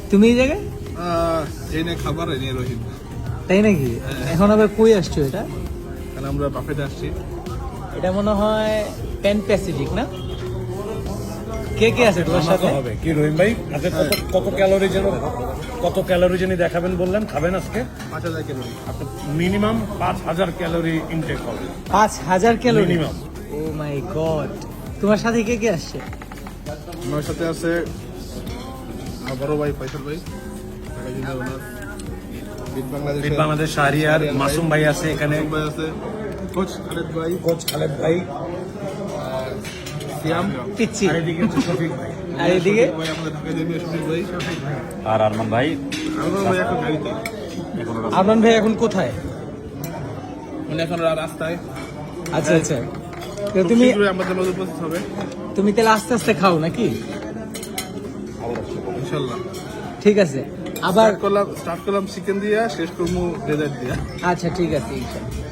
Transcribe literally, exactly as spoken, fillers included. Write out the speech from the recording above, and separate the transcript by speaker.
Speaker 1: তুমি এই জায়গায়?
Speaker 2: এই নিয়ে খাবার এই নিয়ে রহিম।
Speaker 1: তাই নাকি? এখন আবার কই আসছো এটা?
Speaker 2: কারণ আমরা বাফেটে আসছি।
Speaker 1: এটা মনে হয় প্যান প্যাসিফিক না? কে কে আছে তোমার সাথে?
Speaker 3: হবে কি রহিম ভাই আজকে কত কত ক্যালোরি যেন কত ক্যালোরি যেন দেখাবেন বললেন, খাবেন আজকে?
Speaker 2: পাঁচ হাজার ক্যালোরি।
Speaker 3: মিনিমাম পাঁচ হাজার ক্যালোরি ইনটেক হবে।
Speaker 1: পাঁচ হাজার calorie
Speaker 3: minimum.
Speaker 1: Oh my God. তোমার সাথে কে কে আসছে?
Speaker 2: আমার সাথে আছে আমার বড় ভাই ফয়সাল ভাই, ঢাকা জেলার ওনার। বিট বাংলাদেশ
Speaker 3: বিট বাংলাদেশ শাহরিয়ার মাসুম ভাই আছে এখানে,
Speaker 2: ভাই আছে, কোচ খালেদ ভাই,
Speaker 3: কোচ খালেদ ভাই,
Speaker 2: সিয়াম
Speaker 1: পিচ্ছি।
Speaker 3: আর এদিকে হচ্ছে শফিক ভাই,
Speaker 1: আর এদিকে
Speaker 2: ভাই আমাদের ঢাকা জেলার শফিক ভাই,
Speaker 4: আর আরমান ভাই
Speaker 2: আমার ভাই এখন গাড়িতে,
Speaker 1: আরমান ভাই এখন কোথায়?
Speaker 2: উনি এখন রাস্তায়।
Speaker 1: আচ্ছা আচ্ছা। তো
Speaker 2: খুব
Speaker 1: তুমি
Speaker 2: শীঘ্রই আমাদের মধ্যে উপস্থিত হবে
Speaker 1: তুমি তাহলে আস্তে আস্তে খাও নাকি?
Speaker 2: ইনশাল্লাহ।
Speaker 1: ঠিক আছে। আবার
Speaker 2: স্টার্ট করলাম স্টার্ট করলাম চিকেন দিয়ে, শেষ করবো ডেজার্ট দিয়ে।
Speaker 1: আচ্ছা ঠিক আছে ইনশাআল্লাহ।